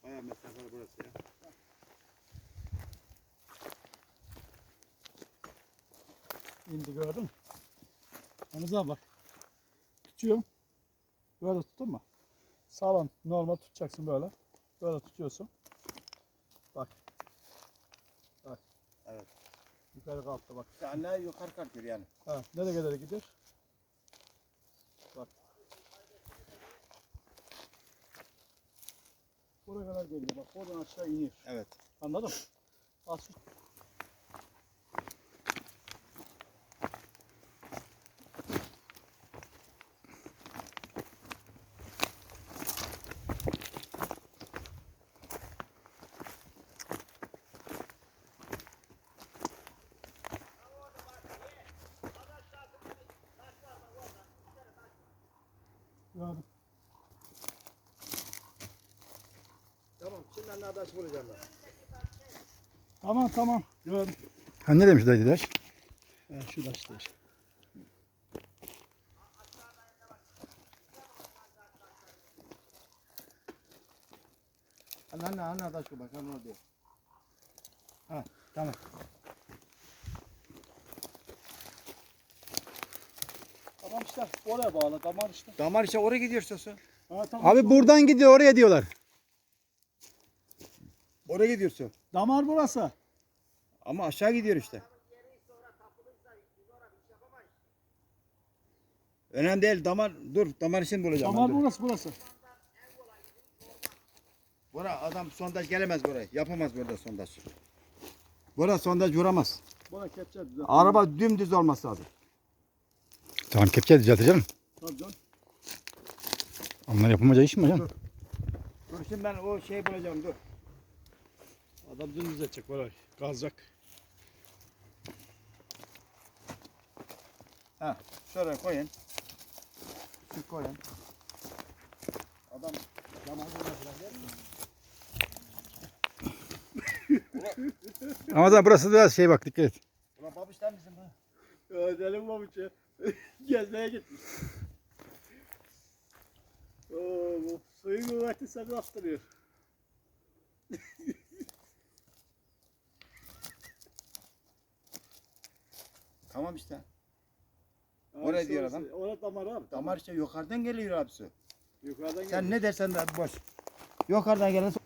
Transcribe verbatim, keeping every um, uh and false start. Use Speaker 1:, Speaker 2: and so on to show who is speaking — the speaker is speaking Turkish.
Speaker 1: Bayağı mesafeli burası ya.
Speaker 2: İndi gördün mü? Hamza abi bak. Tutuyorum. Böyle tuttun mu? Sağlam normal tutacaksın böyle. Böyle tutuyorsun. Bak. Bak.
Speaker 1: Evet.
Speaker 2: Yukarı kalktı bak.
Speaker 1: İşte anne yukarı kalkıyor yani.
Speaker 2: Ha, nereye kadar gider? Bak. Buraya kadar geliyor. Bak oradan aşağı iniyor.
Speaker 1: Evet.
Speaker 2: Anladın mı? Al şu. Gördüm.
Speaker 1: Tamam. Şimdi anne adaş bulacağım ben.
Speaker 2: Tamam tamam. Gördüm.
Speaker 3: Ha ne demiş dayı Daş?
Speaker 2: Ha, şu da işte. işte.
Speaker 1: Anne anne anne adaş bu bak. Anne orada.
Speaker 2: Ha, tamam. Tamam işte. Oraya bağlı. Damar işte.
Speaker 1: Damar işte oraya gidiyorsun sen.
Speaker 2: Ha, tamam.
Speaker 3: Abi buradan gidiyor oraya diyorlar.
Speaker 1: Oraya gidiyorsun.
Speaker 2: Damar burası.
Speaker 1: Ama aşağı gidiyor işte. Önemli değil. Damar dur. Damar için bulacağım.
Speaker 2: Damar
Speaker 1: ben, dur.
Speaker 2: burası burası.
Speaker 1: Bura adam sondaj gelemez buraya. Yapamaz burada sondaj. Burada sondaj vuramaz.
Speaker 2: Buna kepçe düzelt.
Speaker 1: Araba dümdüz olması lazım.
Speaker 3: Tamam kepçe düzelteceğim.
Speaker 2: Tabii canım.
Speaker 3: Onlar yapamayacağı iş mi hocam?
Speaker 1: Dur şimdi ben o şeyi bulacağım dur.
Speaker 2: Adam dümdüz edecek böyle. Kazacak.
Speaker 1: Ha, şöyle koyun. Şu koyun. Adam zaman falan der mi?
Speaker 3: Ama da burası biraz şey bak dikkat et.
Speaker 1: Ulan babişler misin bu?
Speaker 2: Ödelim babuç ya. Gezmeye gitmiş. Oo, bu suyun kuvveti seni bastırıyor.
Speaker 1: Tamam işte. Oraya diyor adam.
Speaker 2: Oraya damar abi.
Speaker 1: Damar işte yukarıdan geliyor abi su.
Speaker 2: Yukarıdan
Speaker 1: Sen ne dersen de boş. Yukarıdan gelen su.